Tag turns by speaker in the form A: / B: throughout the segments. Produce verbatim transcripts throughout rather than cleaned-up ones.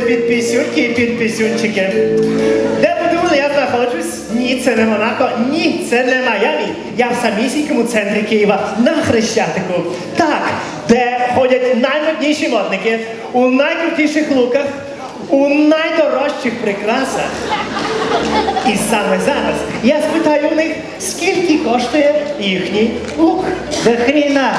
A: підпісюньки і підпісюнчики. Де подумали, я знаходжусь? Ні, це не Монако, ні, це не Майамі. Я в самісінькому центрі Києва, на Хрещатику. Так, де ходять наймодніші модники, у найкрутіших луках, у найдорожчих прикрасах. І саме зараз я спитаю у них, скільки коштує їхній лук.
B: До хріна.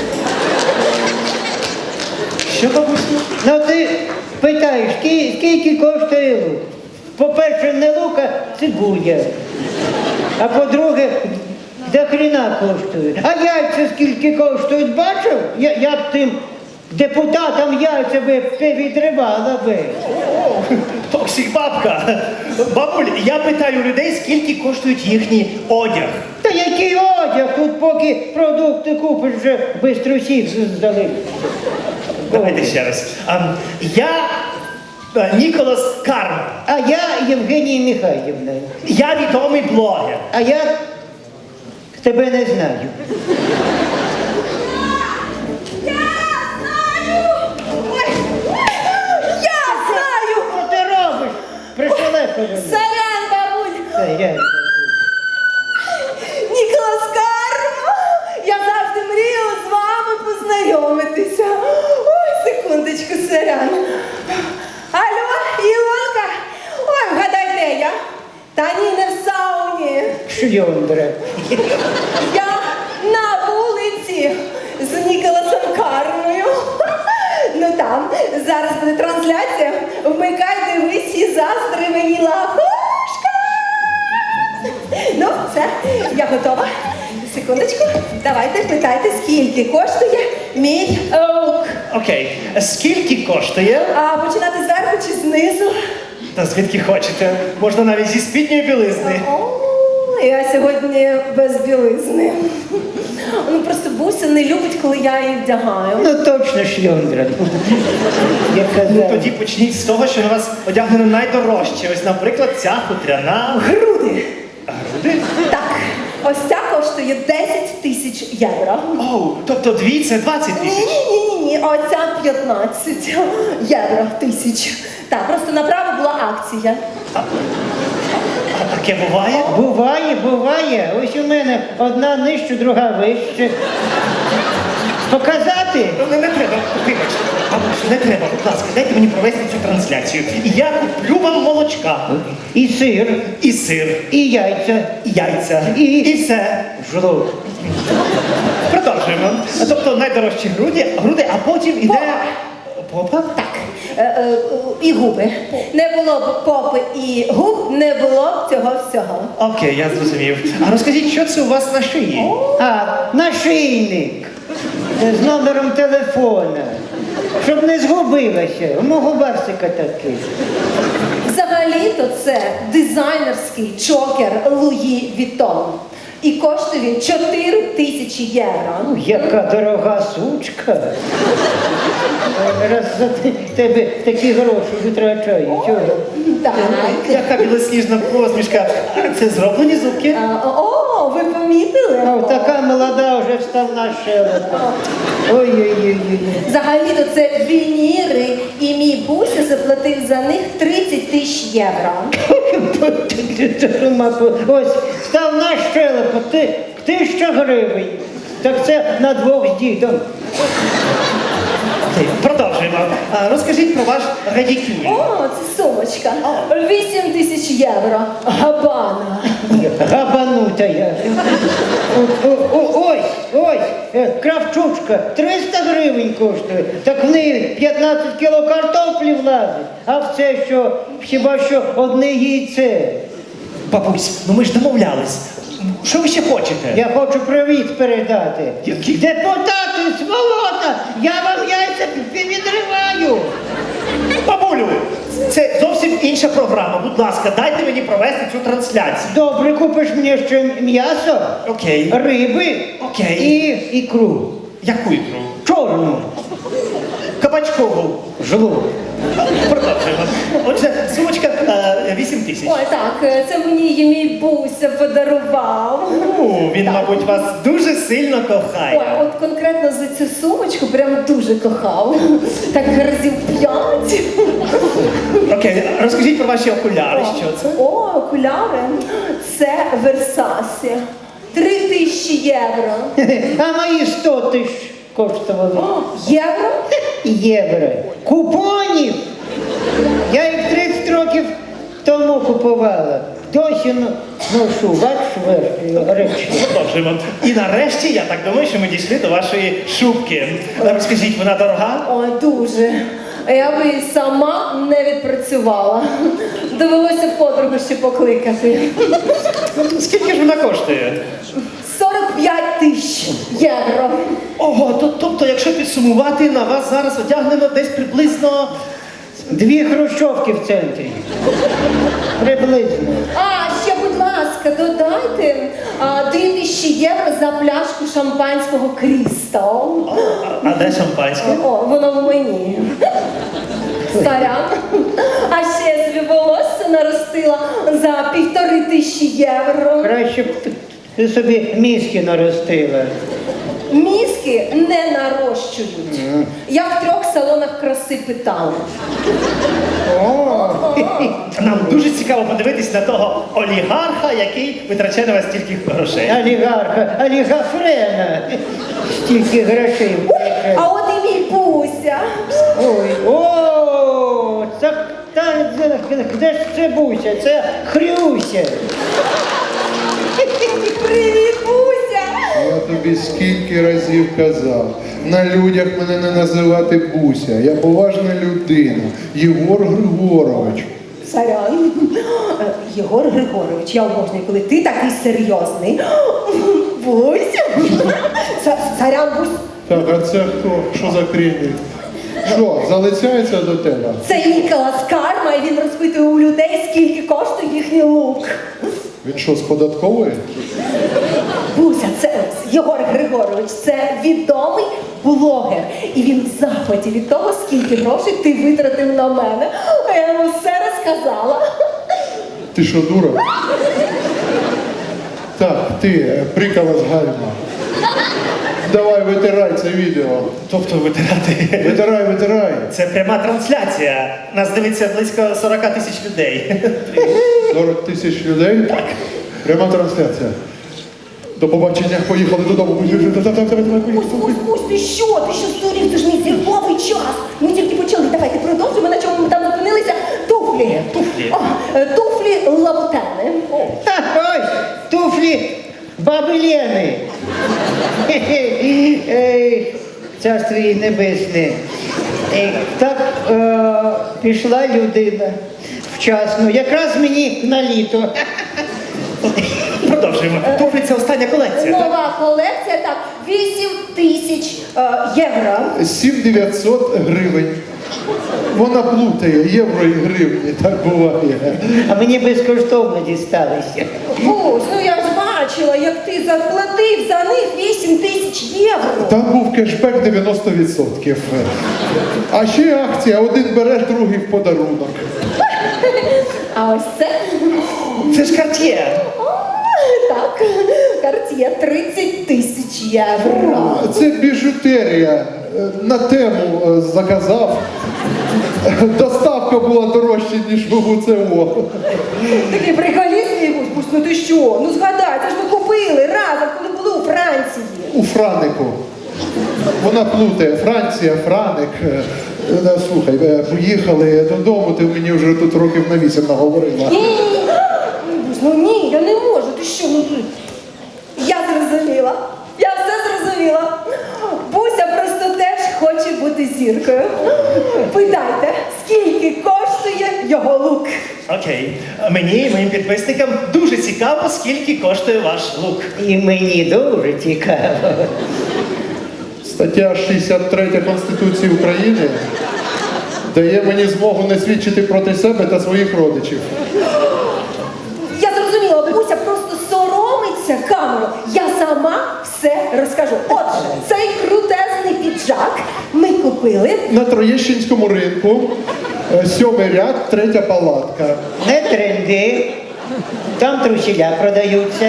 A: Що, бабусю?
B: Ну ти питаєш, ски- скільки коштує лук? По-перше, не лук, а цибуля. А по-друге, до хріна коштують. А яйця скільки коштують, бачив? Я, я б тим депутатам яйця би відривала би.
A: Токсик бабка. Бабуль, я питаю людей, скільки коштують їхній одяг.
B: Та який одяг? Тут поки продукти купиш, вже бистро сів здали.
A: Давайте ще раз. А, я а, Ніколас Карм.
B: А я Євгенія Михайлівна.
A: Я відомий блогер.
B: А я тебе не знаю.
C: Ой, я знаю!
B: Що ти робиш? Пришелепа мене.
C: Сорян, бабуль!
B: Це я.
C: Ніколас Карма! Я завжди мріяла з вами познайомитися. Ой, секундочку, сорян. Алло, Ілонка? Ой, вгадай, де я? Та ні, не в сауні.
B: Шльондра.
C: Я на вулиці з Ніколасом Кармою. Ну там, зараз буде трансляція. Вмикай, дивись і заздри мені лапушка. Ну, все, я готова. Секундочку, давайте питайте, скільки коштує мій лук.
A: Окей. Скільки коштує?
C: А починати зверху чи знизу?
A: Та звідки хочете? Можна навіть зі спідньої білизни.
C: О, я сьогодні без білизни. Ну просто Буся не любить, коли я її вдягаю.
B: Ну точно шльондра. Я
A: Ну
B: казав.
A: тоді почніть з того, що на вас одягнено найдорожче. Ось, наприклад, ця хутряна.
C: Груди.
A: Груди?
C: Так, ось ця коштує десять тисяч євро.
A: Оу, тобто дві це двадцять
C: Ні,
A: тисяч.
C: ні, ні, ні, оця п'ятнадцять євро тисяч. Так, просто направо була акція.
A: А таке буває?
B: Буває, буває. Ось у мене одна нижче, друга вище. Показати?
A: Ну, Не, не треба, вибачте. Бабусю, не треба, будь ласка, дайте мені провести цю трансляцію. І я куплю вам молочка.
B: І сир,
A: І сир,
B: і яйця,
A: і яйця,
B: І-
A: і все.
B: жлоб.
A: Продовжуємо. Тобто найдорожчі груди, груди, а потім іде. Попа?
C: Так, е, е, і губи. Не було б попи і губ, не було б цього всього.
A: Окей, я зрозумів. А розкажіть, що це у вас на шиї?
B: А, нашийник з номером телефона. Щоб не згубилася. У мого барсика такий.
C: Взагалі-то це дизайнерський чокер Луї Вітон. І коштує він чотири тисячі євро.
B: Яка дорога сучка. Раз за те- тебе такі гроші витрачаю. Чого?
C: Так.
A: Яка білосніжна посмішка. Це зроблені зубки.
C: А, О, ви помітили?
B: А така молода вже вставна щелепа. Ой-ой-ой.
C: Взагалі-то це вініри, і мій Буся заплатив за них тридцять тисяч євро.
B: Ось, вставна щелепа, ти, тисяча гривень. Так це на двох з дідом.
A: Окей, продовжуємо. А, розкажіть про ваш радікюль.
C: О, це сумочка. вісім тисяч євро. Габана.
B: Габанута я. О- о- о- Ось, ось, е, кравчучка, триста гривень коштує. Так в неї п'ятнадцять кіло картоплі влазить. А в це що, хіба що одне яйце.
A: Бабусь, ну ми ж домовлялись. Що ви ще хочете?
B: Я хочу привіт передати.
A: Який?
B: Депутати, сволота, я вам яйця пі- відриваю.
A: Бабулю, це зовсім інша програма. Будь ласка, дайте мені провести цю трансляцію.
B: Добре, купиш мені ще м'ясо,
A: Окей.
B: риби
A: Окей.
B: і ікру.
A: Яку ікру?
B: Чорну.
A: Кабачкову.
B: Жлоб.
A: Продовжуємо. Отже, сумочка е, на вісім тисяч.
C: Ой, так, це мені її мій Буся подарував.
A: Ну, він,
C: Так.
A: мабуть, вас дуже сильно кохає.
C: Ой, от конкретно за цю сумочку прям дуже кохав. Так разів п'ять.
A: Окей, розкажіть про ваші окуляри, що це?
C: О, окуляри. Це Версасі. Три тисячі євро.
B: А мої сто тисяч коштували.
C: О, євро?
B: Євро. Купонів! Я їх тридцять років тому купувала. Досі но- ношу, бачиш, верхню речі.
A: Продовжуємо. І нарешті, я так думаю, що ми дійшли до вашої шубки. Розкажіть, вона дорога?
C: О, дуже. Я би і сама не відпрацювала. Довелося подругу ще покликати.
A: Скільки ж вона коштує?
C: сорок п'ять тисяч євро.
A: Ого, то, тобто, якщо підсумувати, на вас зараз одягнено десь приблизно...
B: Дві хрущовки в центрі. Приблизно.
C: А, ще, будь ласка, додайте а, три тисячі євро за пляшку шампанського Крістал.
A: А, а де шампанське?
C: О, воно в мені. Сорян. А ще я собі волосся наростила за півтори тисячі євро.
B: Краще б ти собі мізки наростила.
C: Мізки не нарощують. Я в трьох салонах краси питала.
B: О,
A: Нам дуже цікаво подивитись на того олігарха, який витрачає на вас стільки грошей.
B: олігарха, олігафрена. Стільки грошей.
C: А от і мій Буся.
B: Ой, о, це, та, де ж це Буся? Це Хрюся.
C: Привіт, Буся!
D: Я тобі скільки разів казав, на людях мене не називати Буся. Я поважна людина. Єгор Григорович.
C: Сорян. Е, Єгор Григорович, я обожнюю, коли ти такий серйозний. Буся. Са- Сорян, Бусь.
D: Так, а це хто? Що за крінь? Що, залицяється до тебе?
C: Це Ніколас Карма, і він розпитує у людей, скільки коштує їхній лук.
D: Він що, з податкової?
C: Буся, це Єгор Григорович, це відомий блогер. І він в захваті від того, скільки грошей ти витратив на мене. А я йому все розказала.
D: Ти що, дура? Так, ти, е, прикава з гальма. Давай, витирай це відео.
A: Тобто витирати.
D: Витирай, витирай.
A: Це пряма трансляція. Нас дивиться близько сорок тисяч людей.
D: сорок тисяч людей? Так. Пряма трансляція. До побачення, поїхали додому.
C: Бусь, Бусь, Бусь, ти що? Ти що здурів? Це ж мій зірковий час. Ми тільки почали. Давайте продовжимо, на чому ми там зупинилися. Туфлі.
A: Туфлі.
C: О, е, туфлі лабутени.
B: Ха, ось, туфлі баби Лени. Ей, царство їй небесне. Ей, так е, пішла людина вчасно, якраз мені на літо.
A: Продовжуємо. Туфлі це остання колекція. так?
C: Нова колекція, так, вісім тисяч е, євро.
D: сім дев'ятсот гривень. Вона плутає євро і гривні, так буває.
B: А мені безкоштовно дісталися.
C: Бусь, ну я ж бачила, як ти заплатив за них вісім тисяч євро.
D: Там був кешбек дев'яносто відсотків. А ще акція, один береш, другий в подарунок.
C: А ось це,
A: Це ж Cartier.
C: о, так, Cartier тридцять тисяч євро.
D: Це біжутерія. Е, На тему е, заказав. Доставка була дорожча, ніж в УЦО.
C: Такий приколіст, мій Бусь, Бусь, ну ти що? Ну згадай, це ж ми купили разом, коли були у Франції.
D: У Франику. Вона плутає. Франція, Франик. Е, е, Слухай, е, поїхали додому, ти мені вже тут років на вісім наговорила.
C: Ні, ні, ні, Бусь, ну ні, я не можу, ти що, ну ти. Я зрозуміла, я все зрозуміла. Буся просто теж хоче бути зіркою. Питайте, скільки коштує його лук?
A: Окей. Мені і моїм підписникам дуже цікаво, скільки коштує ваш лук.
B: І мені дуже цікаво.
D: Стаття шістдесят три Конституції України дає мені змогу не свідчити проти себе та своїх родичів.
C: Я зрозуміла, Буся просто соромиться камеру. Я сама все розкажу. Отже, цей крутезний піджак ми купили.
D: На Троєщинському ринку Е, Сьомий ряд, третя палатка.
B: Не тренди. Там трусіля продаються.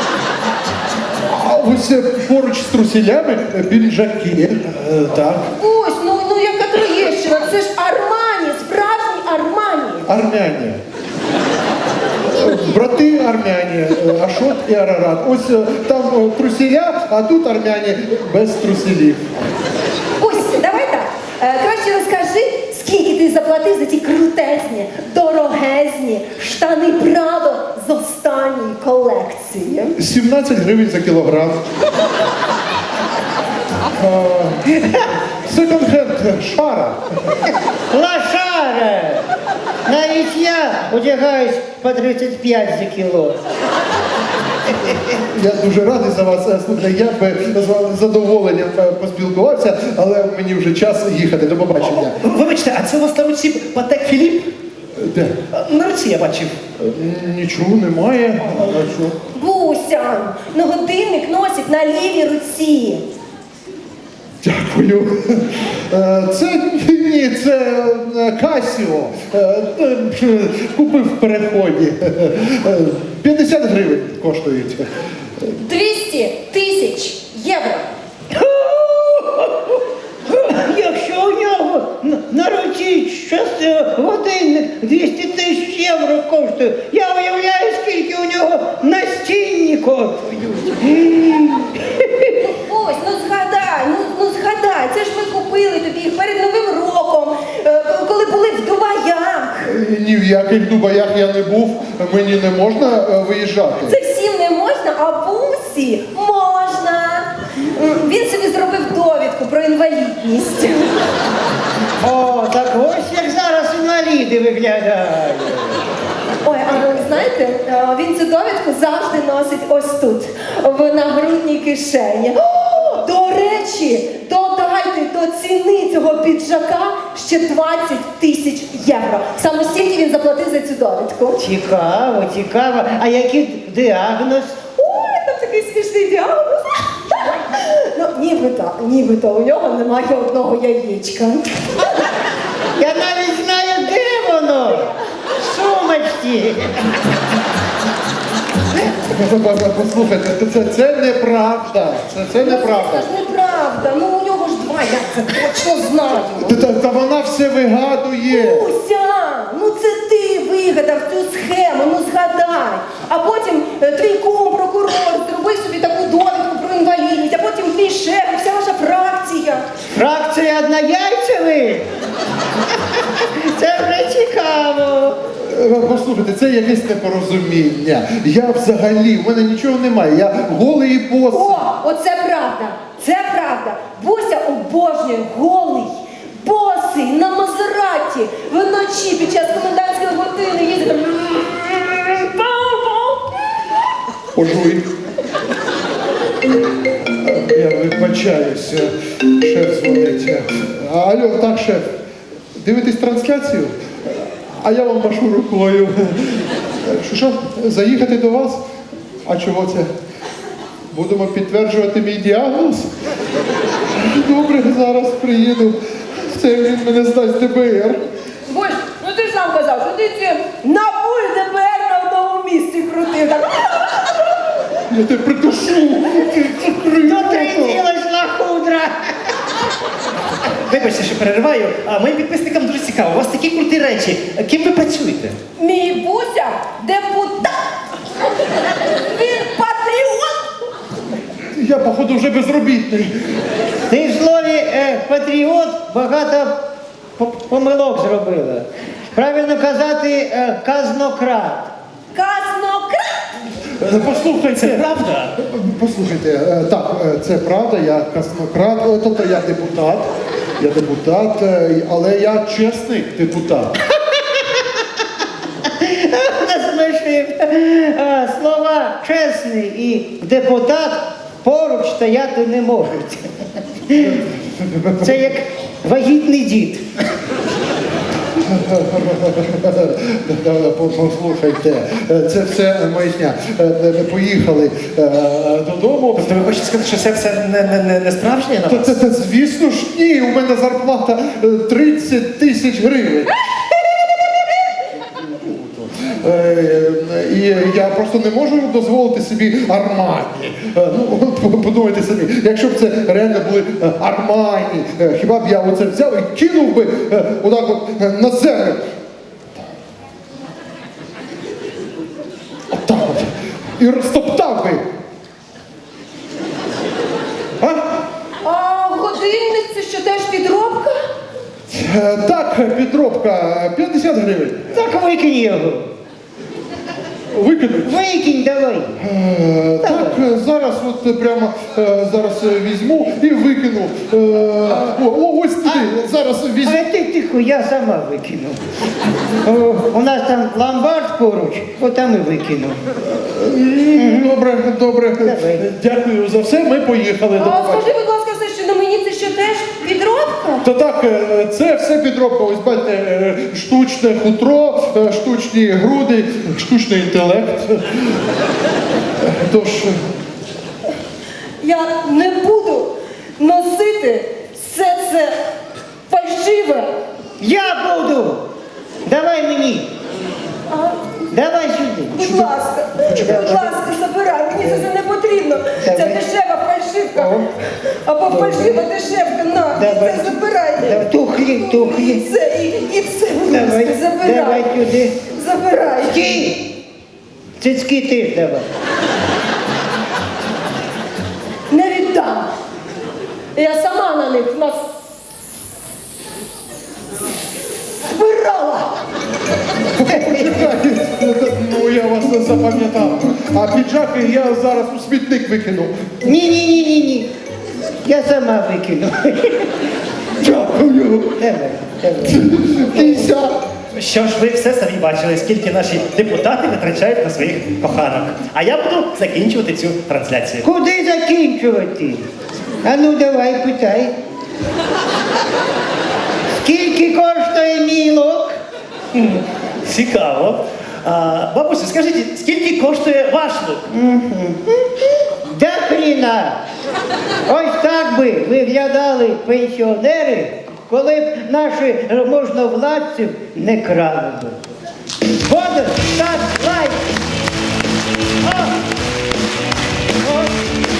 D: А ось е, поруч з трусілями е, піджаки. Е, Так.
C: Ось, ну, ну яка Троєщина, це ж Армані, справжній Армані.
D: Армяні. Е, Брати армяні, е, Ашот і Арарат. Ось е, там е, трусіля, а тут армяні без трусілів.
C: Ось, давай так. Е, краще розкажи, скільки ти заплатив за ті крутезні, дорогезні штани Прадо з останньої колекції.
D: сімнадцять гривень за кілограм. Е, Секонд-хенд, шара.
B: Лошара! Навіть я одягаюсь по тридцять п'ять за кіло.
D: Я дуже радий за вас. Е, Слухайте, я би з вами з задоволенням е, поспілкувався, але мені вже час їхати. До побачення.
A: Вибачте, а це у вас на руці Патек Філіп?
D: Де?
A: На руці я бачив.
D: Нічого немає. А що?
C: Буся, ну годинник носить на лівій руці.
D: Дякую. Е, Це ні, це е, Касіо. Е, е, Купив в переході. Е, п'ятдесят гривень коштують.
C: двісті тисяч євро.
B: Якщо у нього на- на руці щось е, годинник двісті тисяч євро коштує, я уявляю, скільки у нього настінні коштують.
C: Ось, ну згадай, ну, ну згадай, це ж ми купили тобі їх перед Новим роком, е, коли були в Дубаях.
D: Е, Ні в яких Дубаях я не був, мені не можна е, виїжджати.
C: Це всім не можна, а Бусі можна. М, Він собі зробив довідку про інвалідність.
B: О, так ось як зараз інваліди виглядають.
C: Ой, а ви знаєте, е, він цю довідку завжди носить ось тут, в нагрудній кишені. О, до речі, додайте до ціни цього піджака ще двадцять тисяч євро. Саме стільки він заплатив за цю довідку.
B: Цікаво, цікаво. А який діагноз?
C: Ой, там такий смішний діагноз. Ну, нібито, нібито у нього немає одного яєчка.
B: Я навіть знаю, де воно. В сумочці.
D: Послухайте, це, це неправда. Це, це
C: Ну,
D: неправда.
C: це ж неправда. Ну у нього ж два, я це точно знаю.
D: Та, та, та вона все вигадує.
C: Уся, ну це ти вигадав цю схему, ну згадай. А потім е, твій кум, прокурор, зробив собі таку довідку про інвалідність, а потім твій шеф, і вся ваша фракція.
B: Фракція однояйцевих? Це вже цікаво.
D: Е, Послухайте, це якесь непорозуміння. Я взагалі, в мене нічого немає. Я голий і босий.
C: О, оце правда, це правда. Буся обожнює голий, босий, на Мазераті, вночі під час комендантської години їздить. там.
D: Пожуй. Я вибачаюся. Шеф дзвонить. Алло, так, шеф. Дивитесь трансляцію? А я вам машу рукою. Що, що? Заїхати до вас? А чого це? Будемо підтверджувати мій діагноз? Добре, зараз приїду. Це він мене здасть ДБР.
C: Бусь, ну ти ж сам казав, що ти ці НАБУ і ДБР на одному місці крутив. Так.
D: Я тебе придушу.
B: Дотриділась лахудра.
A: Вибачте, що перериваю. А моїм підписникам дуже цікаво. У вас такі круті речі. Ким ви працюєте?
C: Мій Буся депутат. Він патріот.
D: Я, походу, вже безробітний.
B: Ти в слові е, патріот багато по- помилок зробила. Правильно казати е, казнократ.
C: Казнократ.
D: Е, Послухайте.
A: Це правда?
D: Послухайте, е, так, е, це правда, я казнократ, е, тобто я депутат, я депутат, е, але я чесний депутат.
B: Насмішив. Е, Слова чесний і депутат поруч стояти не можуть. Це як вагітний дід.
D: Послухайте, е, це все маячня. Е, е, Поїхали е, додому.
A: Тобто ви хочете сказати, що це все не, не, не, не справжнє на
D: Та,
A: вас?
D: та, та, звісно ж, ні, у мене зарплата е, тридцять тисяч гривень. І я просто не можу дозволити собі Армані. Е, Ну, от подумайте самі, якщо б це реально були е, Армані, е, хіба б я оце взяв і кинув би е, отак от е, на землю. Отак от. І розтоптав би. А?
C: А годинник це що теж підробка?
D: Е, Так, підробка, п'ятдесят гривень.
B: Так викинь його.
D: Викинуть.
B: Викинь давай.
D: Е, Так, е, зараз от прямо е, зараз е, візьму і викину. Е, О, о, ось туди, зараз візьму.
B: А ти тихо, я сама викину. О, у нас там ломбард поруч, отам і викину.
D: М, Добре, добре.
B: Давай.
D: Дякую за все. Ми поїхали. До
C: А
D: побачення.
C: скажи, будь ласка, все, що на мені це що теж підробка?
D: Та так, е, це все підробка. Ось бачите, е, штучне хутро, е, штучні груди, штучний інтелект. Тож,
C: Я не буду носити все це фальшиве.
B: Я буду! Давай мені!
C: А,
B: Давай сюди!
C: будь ласка, будь ласка, забирай, мені це все не потрібно. Це
B: Давай.
C: дешева фальшивка.
B: О.
C: Або фальшива дешевка, на, і
B: Давай.
C: це забирай.
B: Давай, тухлі,
C: І
B: тухлі.
C: це, і, і це, будь
B: Давай,
C: ласка, забирай.
B: давай сюди.
C: Забирай.
B: Стій! Цицьки теж давай.
C: Не віддам. Я сама на них нас збирала.
D: ну я вас не запам'ятав. А піджаки я зараз у смітник викину.
B: Ні-ні-ні-ні-ні. Я сама викину.
D: Дякую.
B: Давай, давай.
D: Кися.
A: Що ж ви все самі бачили, скільки наші депутати витрачають на своїх коханок. А я буду закінчувати цю трансляцію.
B: Куди закінчувати? А ну давай, питай. Скільки коштує мій лук?
A: Цікаво. А, бабусю, скажіть, скільки коштує ваш лук?
B: Да хріна! Ось так би виглядали пенсіонери, коли б наші можновладців не крали би.